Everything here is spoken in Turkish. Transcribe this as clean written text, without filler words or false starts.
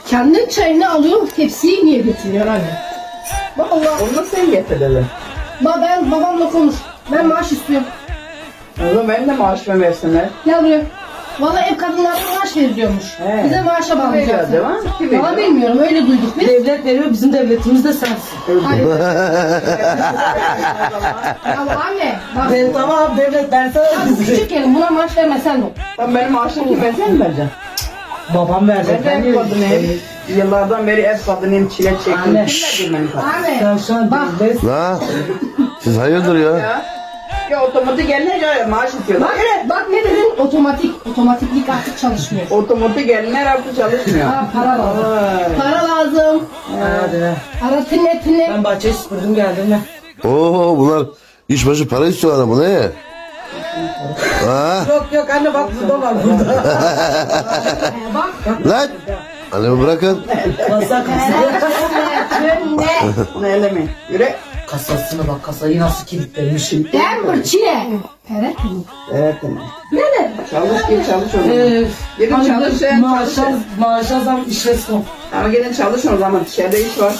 Kendin çayını alıyor, tepsiyi niye getiriyor anne? Vallahi. Onu da sen getirelim. Ben babamla konuş. Ben maaş istiyorum. O zaman benim de maaşımı versinler. Gel buraya. Vallahi ev kadınlarına maaş veriliyormuş. He. Bize maaşa Veriyor bağlayacaksın. değil mi? Kim veriyor? Valla bilmiyorum, öyle duyduk biz. Devlet veriyor, bizim devletimiz de sensin. Hayır. Ya anne, bak. Ben tamam devlet, ben sana Abi küçük yerim, buna maaş vermesen de. Tam benim maaşım kime sen mi vereceksin? babam verecek. Ben de ev kadınıyım. Yıllardan beri ev kadınıyım, çile çektim. Anne. Kim verdi benim kadın? Anne, Sen şu an bak. devlet. La siz hayırdır ya? Ya otomatik gelince maaş istiyorlar. Bak ne dedin? Otomatiklik artık çalışmıyor. Otomatik gelinler artık çalışmıyor. Ha, para lazım. Vay. Para lazım. Hadi be. Para tine. Ben bahçeyi süpürdüm geldim ya. Oo bunlar iş başı para istiyorlar ama ne? Ha? Yok anne bak burada var burada. Bak. Lan! Annemi bırakın. Kasa Ne? Onu elemeyin. Yürü. Kasasına bak, kasayı nasıl kilitlemişim. Denver çile. Evet. Evet anne. Ne de? Çalış git çalış o zaman. Gidin çalışın, Maaşa zam işe son. Ama gidin çalışın o zaman. Dışarıda iş var.